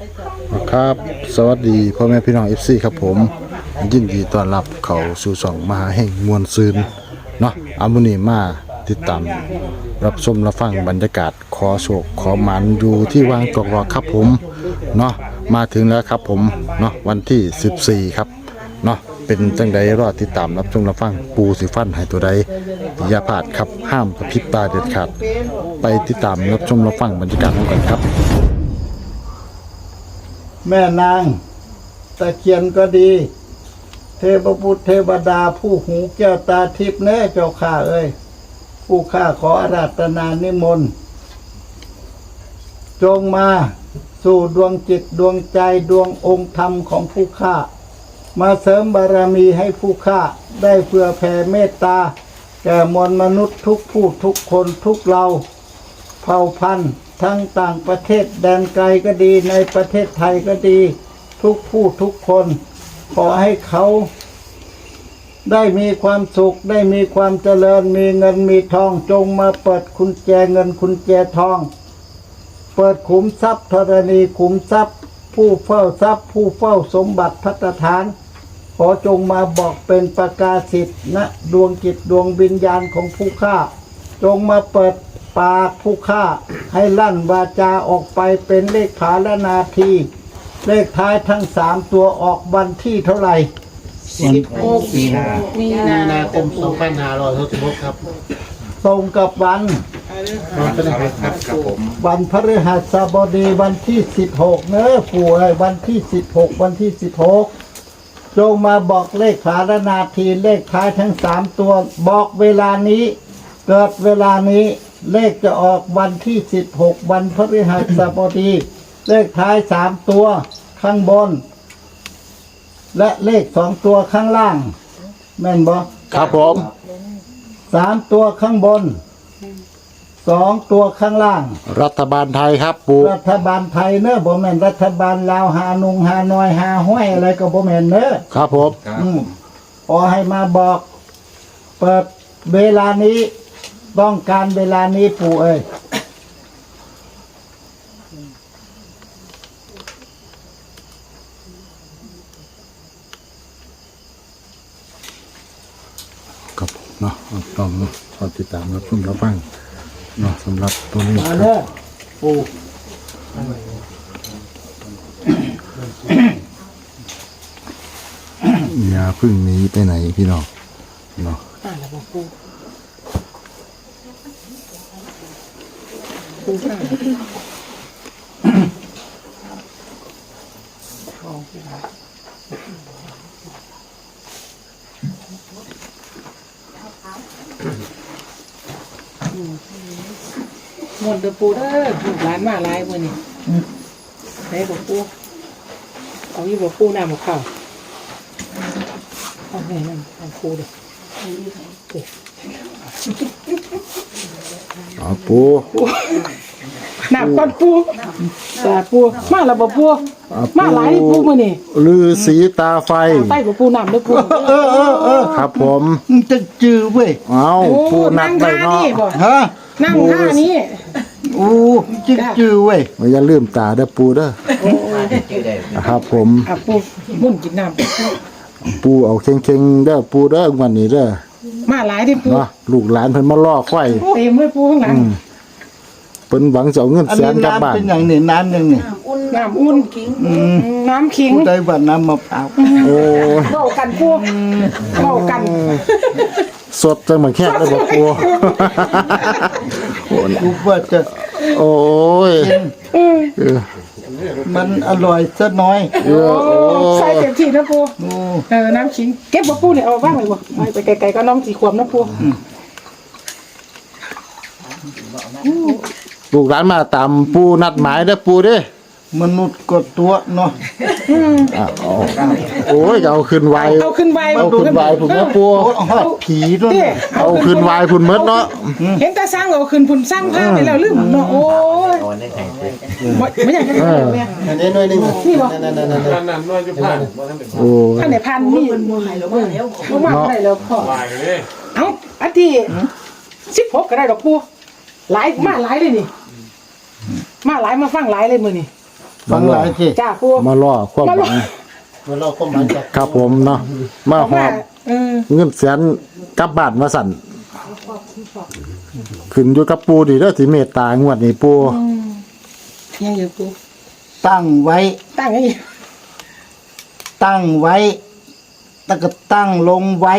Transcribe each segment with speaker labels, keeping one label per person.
Speaker 1: ครับสวัสดีพ่อแม่พี่น้อง FC ครับผมยินดีต้อนรับเข้าสู่ช่องมหาแห่งมวลซืนเนาะมื้อนี้มาติดตามรับชมรับฟังบรรยากาศขอโชคขอหมันอยู่ที่วังกอกรอครับผมเนาะมาถึงแล้วครับผมเนาะวันที่14ครับเนาะเป็นจังใดรอติดตามรับชมรับฟังปูสิฟันให้ตัวใดอย่าพลาดครับห้ามกระพริบตาเด็ดขาดไปติดตามรับชมรับฟังบรรยากาศกันครับ
Speaker 2: แม่นางตะเคียนก็ดีเทพบุตรเทวดาผู้หูแก้วตาทิพย์แน่เจ้าข้าเอ้ยผู้ข้าขออาราธนานิมนต์จงมาสู่ดวงจิตดวงใจดวงองค์ธรรมของผู้ข้ามาเสริมบารมีให้ผู้ข้าได้เพื่อแผ่เมตตาแก่มวลมนุษย์ทุกผู้ทุกคนทุกเราเผ่าพันธุ์ทั้งต่างประเทศแดนไกลก็ดีในประเทศไทยก็ดีทุกผู้ทุกคนขอให้เขาได้มีความสุขได้มีความเจริญมีเงินมีทองจงมาเปิดกุญแจเงินกุญแจทองเปิดขุมทรัพย์ธรณีขุมทรัพย์ผู้เฝ้าทรัพย์ผู้เฝ้าสมบัติภัตฐานขอจงมาบอกเป็นประกาศสิทธิ์ณดวงจิตดวงวิญญาณของผู้ฆ่าจงมาเปิดปากผู้ฆ่าให้ลั่นวาจาออกไปเป็นเลขผาและนาทีเลขท้ายทั้ง3ตัวออกวันที่เท่าไหร่
Speaker 3: 16มีนาคม2566ครับ
Speaker 2: ตรงกับวัน
Speaker 3: พฤหัสครับผม
Speaker 2: วันพฤหัสบดีวันที่16เนอะปู่เอ้ยวันที่16วันที่16จงมาบอกเลขผาและนาทีเลขท้ายทั้ง3ตัวบอกเวลานี้เกิดเวลานี้เลขจะออกวันที่16วันพฤหัสบดีเลขท้าย3ตัวข้างบนและเลข2ตัวข้างล่างแม่นบ่
Speaker 1: ครับผม
Speaker 2: 3ตัวข้างบน2ตัวข้างล่าง
Speaker 1: รัฐบาลไทยครับปู
Speaker 2: รัฐบาลไทยเนอะบ่แม่นรัฐบาลลาวฮานงฮานอยฮาห้วยอะไรก็บ่แม่นเนอะ
Speaker 1: ครับผม
Speaker 2: ขอให้มาบอกเปิดเวลานี้ต้องการเวลานี้ปู่เอ้ย
Speaker 1: ครับเนาะต้องขอติดตามรับชมรับฟังเนาะสำหรับตัวนี้
Speaker 2: มาเด้อปู่
Speaker 1: อย่าพึ่งหนีไปไหนพี่น้องเนาะ
Speaker 4: หมดเดือปูเด้อลูกหลานมาหลายมื้อนี้ไหนบอกปูเอาอยู่บอกปูน้ำบอกข้าวเอาให้น้ำเอาปูเด้อ
Speaker 1: เอาปู
Speaker 4: น้ำก้อนปูแต่ปูมาแล้วบ่ปูมาหลายนี่ปูมื้อนี้
Speaker 1: ฤาษีตาไฟ
Speaker 4: ใต้บ่ปูน้ำเด้อปู
Speaker 1: ครับผม
Speaker 2: จะจื้อเว้ย
Speaker 1: เอาปูนักไปเนาะ
Speaker 2: ฮะ
Speaker 4: นั่งท่านี้
Speaker 2: โอ้จื้อเว้ย
Speaker 1: อย่าลืมตาเด้อปูเด้อครับผม
Speaker 4: ปูมุ่นกินน้ำ
Speaker 1: ปูเอาเค็งๆเด้อปูเด้อวันนี้เด้อ
Speaker 4: มาหลายดิปู
Speaker 1: เนาะลูกหลานเพิ่นมาล่อควาย
Speaker 4: เต็มเลยปูข้างหลัง
Speaker 1: เพิ่นหวังจะเอาเงินแสนกลับบ้าน
Speaker 2: เป็นอย่างนี้น้ำนึงนี่
Speaker 4: น้ำอุ่นน้ำขิง
Speaker 2: ได้ว่าน้ำมะพร้าว
Speaker 1: โอ้
Speaker 4: เว้ากันปูเว้ากัน
Speaker 1: สดจังเหมือนแค่ได้บ่ปู
Speaker 2: กูว่าจะ
Speaker 1: โอ้ย
Speaker 2: มันอร่อยซะน้อย
Speaker 4: ใส่เต็มที่นะปูน้ำขิงเก็บบ่ปูเนี่ยเอาบ้างเลยบ่ไปไกลๆก็น้องสีขวบนะปู
Speaker 1: ลูกหลานมาตามปูนัดหมายเด้อปูเด้
Speaker 2: มนุษย์กดตัวเนาะ
Speaker 1: โอ้ยเอาขึ้นไว
Speaker 4: เอาขึ้นไว
Speaker 1: พุ่นนะปู
Speaker 2: ผีด้วย
Speaker 1: เอาขึ้นไวพุ่นเมดเนาะ
Speaker 4: เห็นแต่สร้างเอาขึ้นพุ่นสร้างผ้าไปแล้วลืมเนาะโอ้ยไม่อยากจะเนี่ย
Speaker 3: อันนี้หน่อยนึง
Speaker 4: นี่บ่
Speaker 3: นั่นหน่อยจะผ่าน
Speaker 1: โอ้
Speaker 4: ท่านไหนพันนี่มาได้แล้วพ่อเอ้าอันที่16ก็ได้ดอกปูหลายมาหลายเลยนี่มาหลายมาฟังหลายเลยมื้อนี้
Speaker 2: ฟังหลายที
Speaker 4: จ้าปู
Speaker 1: มาล่อความหวัง
Speaker 3: เมื่อเราก็หมายจาก
Speaker 1: ครับผมเนาะมาหอบ เงินแสนกลับบ้านมาสั่นขึ้นอยู่กับปูดีเด้อที่เมตตางวดนี้ปู
Speaker 4: ยังอยู่ปู
Speaker 2: ตั้งไว้
Speaker 4: ตั้งไว้อีก
Speaker 2: ตั้งไว้แล้วก็ตั้งลงไว้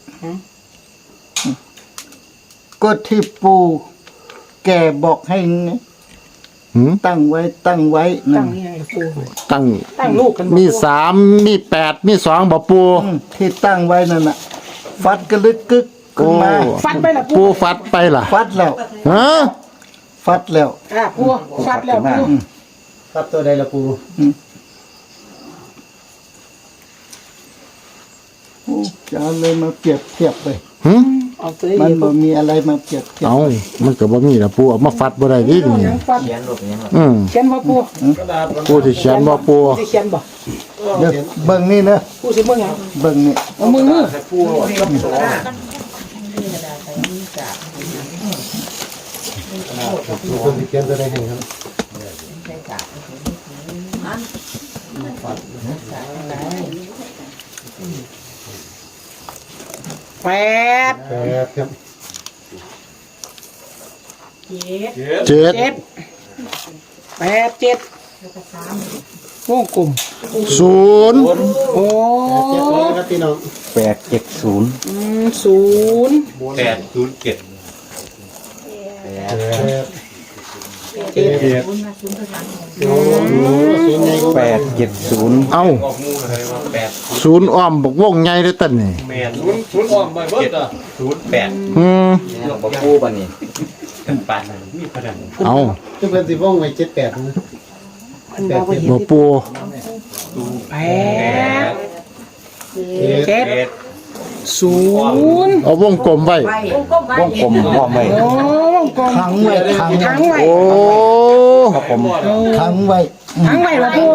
Speaker 2: ก็ที่ปูแกบอกให้
Speaker 1: หืม
Speaker 2: ตั้งไว้ตั้งไว้
Speaker 4: ตั้
Speaker 2: นั่
Speaker 4: ง
Speaker 2: น
Speaker 4: ยังอยู่ปู
Speaker 1: ตั้ง
Speaker 4: ตั้งลูกกันบ่
Speaker 1: มี
Speaker 4: ปู
Speaker 1: 3มี8มี2บ่ปู
Speaker 2: ที่ตั้งไว้นั่นน่ะ ฟัดกระลึกกึกขึ้นมา
Speaker 4: ฟัดไปละปู
Speaker 1: ปูฟัดไปล่ะ
Speaker 2: ฟัดแล้ว
Speaker 1: ฮะ
Speaker 2: ฟัดแล้ว
Speaker 4: ปูฟัดแล้วปู
Speaker 3: ครับตัวใดละปู
Speaker 2: จะเอาเลยมาเปรียบเทียบเลย
Speaker 1: หึ
Speaker 4: เอาตัว
Speaker 2: มัน
Speaker 4: นี้ปู
Speaker 2: บ่มีอะไรมาเปรียบเทียบ
Speaker 1: เอามันก็บ่มีล่ะปูเอามาฟัดบ่ได้ดินี่
Speaker 4: ยังฟัด
Speaker 1: อืม
Speaker 4: เขียนบ่ปู
Speaker 1: ปูที่เขียนบ่ปู
Speaker 4: สิเขียนบ่
Speaker 2: เดี๋ยวเบิ่งนี่นะ
Speaker 4: ปูสิเบิ่งหยัง
Speaker 2: เบิ่งนี่
Speaker 4: เอามือ
Speaker 3: คนที่เขียนตัวใดให้ครับ
Speaker 4: แปด
Speaker 3: 8ครับ
Speaker 1: เจ็ด
Speaker 4: เจ็ดแปดเจ็ดวงกลม
Speaker 1: ศูนย์
Speaker 4: โอ้
Speaker 3: 7ครับพี่น้อง
Speaker 4: ศูนย์
Speaker 3: 807
Speaker 4: เจ็ด
Speaker 1: เอ้าศูนย์อ้อมบอกวงใหญ่เด้อตันนี่
Speaker 5: ศูนย์อ้อมไปเบิดอ่ะ
Speaker 1: อืม
Speaker 5: บ่ปูปานนี้
Speaker 1: เอา
Speaker 3: ทุกคนสิว่องไว้78นะ
Speaker 4: มันบ่เห็น
Speaker 1: บ่ปู
Speaker 4: แปดเจ็ดศูนย์
Speaker 1: เอาวงกลมไว้
Speaker 6: วงกลมพร้อมไว้
Speaker 4: โอ้วงกลม
Speaker 2: ขังไว้ขัง
Speaker 4: ทั้งไว้
Speaker 1: โอ้
Speaker 6: ครับผม
Speaker 2: ขังไว้
Speaker 4: ทั้งไว้บ่ปู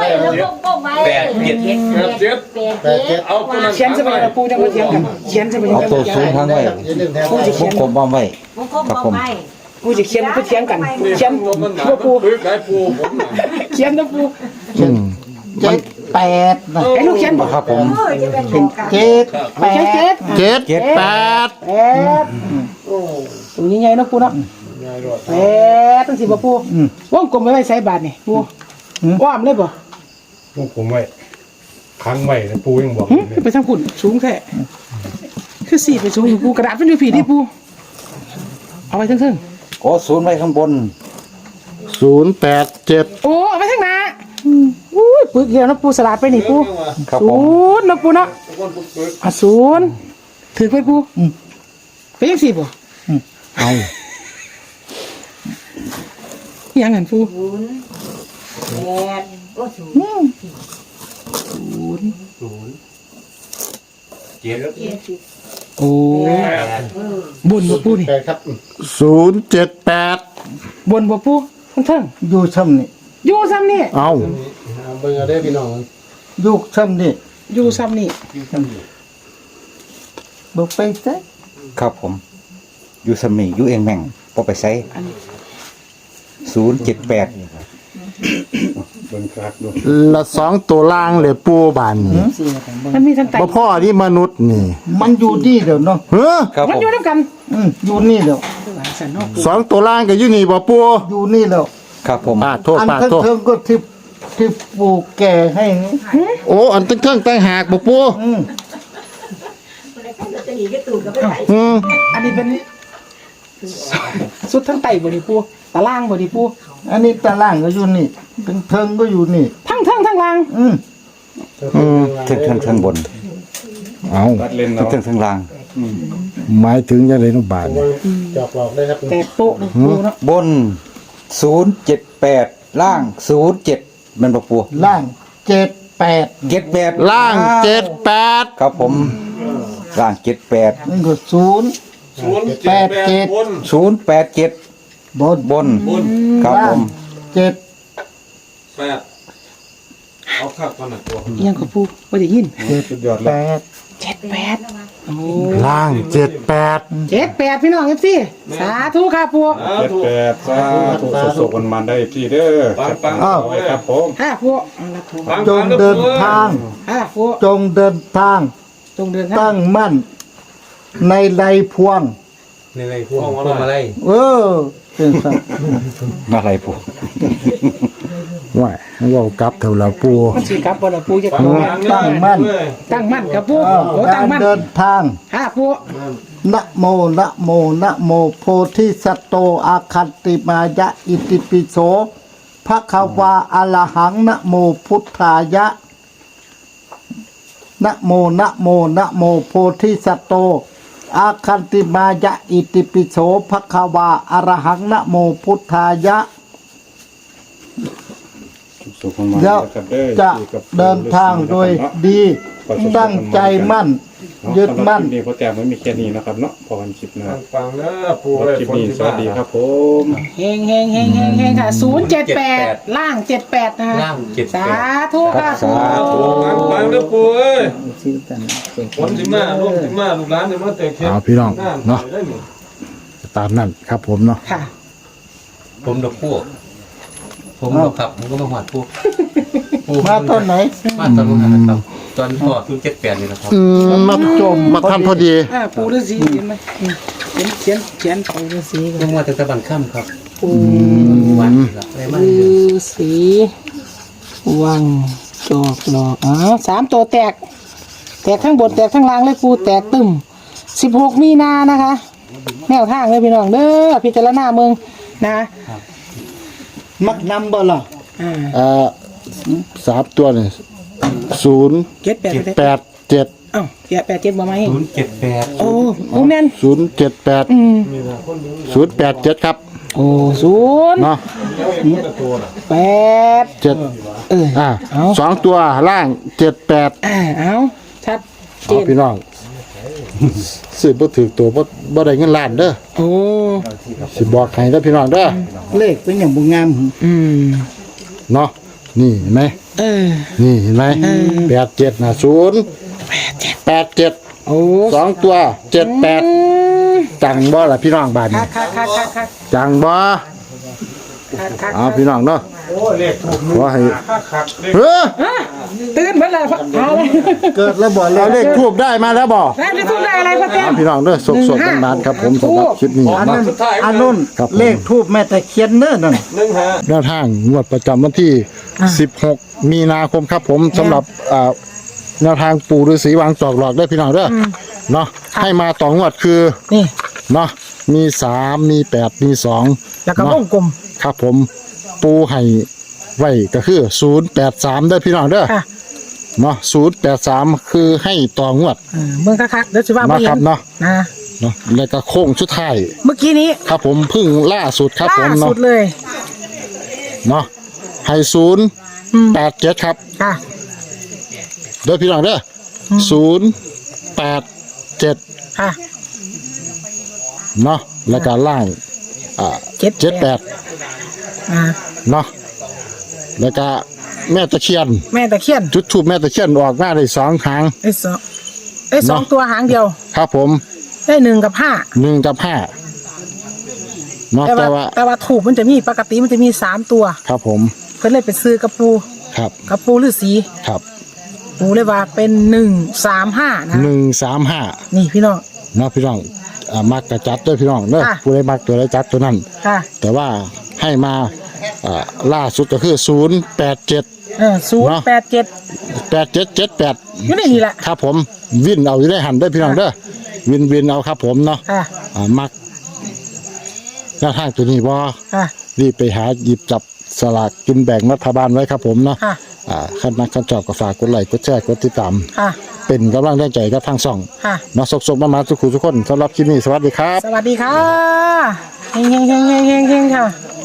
Speaker 3: 87
Speaker 5: เอาตัวนั้น
Speaker 4: เขียนจะไปกับปูจังบ่เถียงกันเขียนจะไป
Speaker 6: เอาตัวสูงทั้งไว้
Speaker 3: อย่าลืมแทน
Speaker 6: วงกลมพร้อมไว้ครับผม
Speaker 4: ปูจะเขียนก็เถียงกันเขียน
Speaker 5: ตัวมันหนา
Speaker 4: บ่ปู
Speaker 5: คือไก่ปูผมน่ะ
Speaker 4: เขียนนะปู
Speaker 1: อืม
Speaker 2: 78นะ
Speaker 4: ไอ้ลูกเขียนบ่
Speaker 6: ครับผม
Speaker 2: เป็น7
Speaker 4: เขียนเจ็ด
Speaker 1: เจ็ดแปด
Speaker 4: แปดตัวนี้ใหญ่เนาะปูเนาะแปดตั้งสิบ่ปูวงกลมไว้ไว้ใส่บาทนี่ปูอ้อมเลยบ่
Speaker 7: พวกผมไว้ค้างไว้นะปูยังบอก
Speaker 4: หึไปทางพุ่นสูงแท้คือสี่ไปสูงอยู่ปูกระดาษมันอยู่ผีที่ปูเอาไว้เทิง
Speaker 6: โอ้ศูนย์ไว้ข้างบน
Speaker 1: 087
Speaker 4: ๆโอ้เอาไว้ทางหน้าอุ้ยปึกเดียวนะปูสลัดไปนี่ปู
Speaker 6: ครับผ
Speaker 4: ศู
Speaker 6: ม
Speaker 4: นย์นะปูเนาะศูนย์ถือไปปูไปยังสี่บ่
Speaker 1: เอา
Speaker 4: ยังหันปู โอ้บนบ่ปูนี่
Speaker 3: 8ครับ
Speaker 1: 078
Speaker 4: บนบ่ปูทั้ง
Speaker 2: อยู่ซ้ำนี่
Speaker 4: ๆอยู่ซ้ำนี่
Speaker 1: เอา
Speaker 3: เบิ่งเอาได้อพี่น้อง
Speaker 2: อยู่ซ้ำนี่
Speaker 4: อยู่ซ้ำนี่
Speaker 2: บ่ไปไส
Speaker 6: ครับผม อยู่สมีอยู่เองแม่งพอไปใช้078
Speaker 7: เบิ่งครับดู
Speaker 1: ละ2ตัวล่างเลยปูบานนี่
Speaker 4: มันมีทั้งไต
Speaker 1: บ่พ่อนี่มนุษย์นี่
Speaker 2: มันอยู่นี่เดี๋ยวเนาะ
Speaker 1: เฮ้อ
Speaker 6: ครับ
Speaker 4: มัน
Speaker 6: ผม
Speaker 4: อยู่นํกัน
Speaker 2: อยู่นี่เดี๋ยว
Speaker 4: สันเนาะ
Speaker 1: 2ตัวล่างก็อยู่นี่บ่ปู
Speaker 2: อยู่นี่แล้ว
Speaker 6: ครับผม
Speaker 1: ป้าโทษ
Speaker 2: อัน
Speaker 1: ป้า
Speaker 2: ทั้ง
Speaker 1: โทษ
Speaker 2: เทิงก็ที่ปลูกแก่ให้นี่
Speaker 1: โอ้อันตั้งตั้งหากบ่ปูอืม
Speaker 4: อันนี้เป็นสุดทั้งไตบ่นี่ปูตารางบ่นี่ปู
Speaker 2: อันนี้ตารางก็อยู่นี่ทั้งเทิงก็อยู่นี่
Speaker 4: ทั้งล่าง
Speaker 6: ทั้งบน
Speaker 1: เอา
Speaker 7: รัดเล่นเนาะ
Speaker 6: ทั้งล่าง
Speaker 1: หมายถึงจังได๋น้องบาดนี่
Speaker 3: จอกหลอกได้ครับ
Speaker 4: แต่โต๊ะนี่ปูเนาะ
Speaker 6: บน078ล่าง07มันบ่ปู
Speaker 2: ล่าง78
Speaker 6: 78
Speaker 1: ล่าง78
Speaker 6: ครับผมล่าง78
Speaker 2: นี่ก็0
Speaker 5: 078บน
Speaker 6: 087
Speaker 2: บน
Speaker 6: บนครับผม
Speaker 2: 7
Speaker 5: 8เอาคักก่อนน่ะตัว
Speaker 4: อิหยังก็ปูบ่ได้ยิน
Speaker 7: สุดยอดเลย
Speaker 2: 8
Speaker 4: 78
Speaker 1: ล่าง78
Speaker 4: 78พี่น้องเอฟซีสาธุค่ะปู
Speaker 7: 78สาธุสุขๆมันได้พี่เด้อ
Speaker 5: ปัง
Speaker 2: อ้าว
Speaker 7: ไว้ครับผม
Speaker 4: ค่ะปูเอาละปู
Speaker 5: ปัง
Speaker 2: จงเดินทาง
Speaker 4: ค่ะปู
Speaker 2: จงเดินทาง
Speaker 4: จงเดินทา
Speaker 2: ตั้
Speaker 4: ง
Speaker 2: งมั่นในไรพวง
Speaker 5: ในพวกอะไร
Speaker 2: เออเป็นสัตว์
Speaker 6: อะไรปู่
Speaker 1: ว่าเว้ากลับเท่าละปู
Speaker 4: มันสิกลับบ่ล่ะปูจะ
Speaker 2: ตั้งมั่น
Speaker 4: ตั้งมั่นกับปู
Speaker 2: อ้าว
Speaker 4: โอ้ตั้
Speaker 2: กาง ร
Speaker 4: มั่น
Speaker 2: เดินทาง
Speaker 4: ค่ะปู
Speaker 2: นะโมนะโมนะโมโพธิสัตโตอาคันติมายะอิติปิโสภะคะวาอะระหังนะโมพุทธายะนะโมนะโมนะโมโพธิสัตโตอาคันติมายะอิติปิโสภะคะวาอะระหังนะโมพุทธายะ
Speaker 7: สุขๆมัน
Speaker 2: เดี๋ยว
Speaker 7: นะครับเด้อ
Speaker 2: จะเดินทางโดยดีตั้งใจมั่น ยึดมั่น
Speaker 7: นี่พอแต่ไม่มีแค่นี้นะครับเนาะพอกันคลิปหนะ
Speaker 5: ปังแล้วปู
Speaker 7: คลิปนี้สวัสดีครับผม
Speaker 4: เฮงเฮงเฮงเฮงเฮงค่ะ078ล่าง78นะคะ
Speaker 5: ล่าง78
Speaker 4: สาธุค่ะปู
Speaker 5: ปังแล้วปูเอ้ยคนสิมาลูกสิมาลูกหลานสิมาแต่เข็ม
Speaker 1: เอาพี่น้องเนาะตามนั้นครับผมเนาะ
Speaker 4: ค่ะ
Speaker 3: ผมดอกพวกผมดอกครับผมก็มาหอดพวก
Speaker 2: มาต้นไหน
Speaker 3: มาตอนนู้นนะครับตอนพ่อคือ78นี่นะครับ
Speaker 1: มาจมมาทำพอดี
Speaker 4: ปูฤาษีเห็นไหมเขียนปูฤาษีกัน
Speaker 3: ยังมาแต่ตะบันค่ำครับ
Speaker 4: ปู
Speaker 3: วันครับอะไรมา
Speaker 4: ฤาษีวังจอกหลอก3ตัวแตกทั้งบนแตกทั้งล่างเลยปูแตกตึม16มีนานะคะ แนวทางเลยพี่น้องเด้อพิจารณาเมืองนะ
Speaker 2: มักนำบ่ล่ะ
Speaker 1: 3ตัวนี่
Speaker 4: 78ไปเลย
Speaker 1: 087
Speaker 4: เอ้า87บ่มาให้
Speaker 3: 078
Speaker 4: โอ้แม่น
Speaker 1: 078 087ครับ
Speaker 4: โอ้0
Speaker 1: เนาะ
Speaker 4: 8
Speaker 1: 7
Speaker 4: เอา
Speaker 1: สองตัวล่าง78
Speaker 4: เอาชัดเจ
Speaker 1: เอา
Speaker 4: น
Speaker 1: พี่น้องซื้อบ่ถือตัวบ่ได้เงินล้านเด้อ
Speaker 4: โอ้
Speaker 1: สิบอกให้เด้อพี่น้องเด้อ
Speaker 2: เลขเป็นอย่างบุงาม
Speaker 1: เนาะนี่เห็นไหม นี่เห็นไหม87นะ087
Speaker 4: โอ้
Speaker 1: สองตัว78จังบ่ล่ะพี่น้องบ้านนี้
Speaker 4: คัก
Speaker 1: จังบ่เอาพี่น้องเนาะขอให้เฮ้อ
Speaker 4: ตื่นเมื่อไหร่เอาเลย
Speaker 2: เกิดแล้วบ่
Speaker 1: เราเลขทูบได้มาแล้วบ่
Speaker 4: ได้ทุกได้อะไรพ่อเต้
Speaker 1: เอาพี่น้องเด้อสดๆนานๆครับผมสำหรับคลิปนี้
Speaker 2: อัน
Speaker 1: เนาะ
Speaker 2: นั้นอันนู้น
Speaker 1: ครับผม
Speaker 2: เลขทูบแม่ตะเคียนเน้อนั่น
Speaker 1: แนวทางงวดประจำวันที่ 16 มีนาคมครับผมสำหรับแนวทางปู่ฤาษีวางจอกหลอกได้พี่น้องเด้อเนาะให้มาต่องวดคือ
Speaker 4: นี่
Speaker 1: เนาะมี3มี8มี2
Speaker 4: แล้วก็วงกลม
Speaker 1: ครับผมปูให้ไว้ก็คือ083เด้อพี่น้องเด้อ
Speaker 4: ค่ะ
Speaker 1: เนาะ083คือให้ต่องวด
Speaker 4: เมืองคักเดี๋ยวจะว่า
Speaker 1: นะ
Speaker 4: ไม่
Speaker 1: ค
Speaker 4: เห็
Speaker 1: รับ
Speaker 4: น
Speaker 1: เนาะ
Speaker 4: นะ
Speaker 1: เนาะแล้วก็โค้งชุดท้าย
Speaker 4: เมื่อกี้นี้
Speaker 1: ครับผมเพึ่งล่าสุดครับผ
Speaker 4: ล่าม
Speaker 1: เนาะ
Speaker 4: สุดเลย
Speaker 1: เนาะให้087ครับ
Speaker 4: ค่ะ
Speaker 1: เด้อพี่น้องเด้อ087
Speaker 4: ค่ะ
Speaker 1: เนาะแล้วก็ล่าง78 เนาะแล้วก็แม่ตะเคียน
Speaker 4: แม่ตะเคียน
Speaker 1: จุดทูบแม่ตะเคียนออกมาได้2ครั้ง
Speaker 4: สองตัวหางเดียว
Speaker 1: ครับผม
Speaker 4: ได้1 กับ
Speaker 1: 1 กับ 5เนาะ
Speaker 4: 5แต่
Speaker 1: แต่ว่า
Speaker 4: ว่าถูกมันจะมีปกติมันจะมี3ตัว
Speaker 1: ครับผม
Speaker 4: เพิ่นเลยไปซื้อกระปู
Speaker 1: ครับ
Speaker 4: กระปูฤาษี
Speaker 1: ครับ
Speaker 4: ปูเลยว่าเป็น135นะ
Speaker 1: 135
Speaker 4: นี่พี่น้อง
Speaker 1: เนาะพี่น้องมักกระจัดด้วยพี่น้องเนาะ
Speaker 4: ค่ะ
Speaker 1: ผู้ใดมักตัวใดจัดตัวนั้น
Speaker 4: ค่ะ
Speaker 1: แต่ว่าให้มาล่าสุดก็คือ087
Speaker 4: 087
Speaker 1: 8778
Speaker 4: อยู่ในนี่แหละ
Speaker 1: ครับผมวินเอาอยู่ได้หันได้อพี่น้องเด้อวินเอาครับผมเนาะ
Speaker 4: ค่ะ
Speaker 1: มักหน้าทางตัวนี้บ่
Speaker 4: ค่ะ
Speaker 1: รีบไปหาหยิบจับสลากกินแบ่งรัฐบาลไว้ครับผมเนาะ
Speaker 4: ค่ะ
Speaker 1: ขั้นนักขั้นจอบก็ฝากกดไลค์กดแชร์กดติดตาม
Speaker 4: ค่ะ
Speaker 1: เป็นกำลังใจกับทางช่อง
Speaker 4: ค่ะ
Speaker 1: มาสกๆมาทุกคนสำหรับคลิปนี้สวัสดีครับ
Speaker 4: สวัสดีค่ะเฮงค่ะ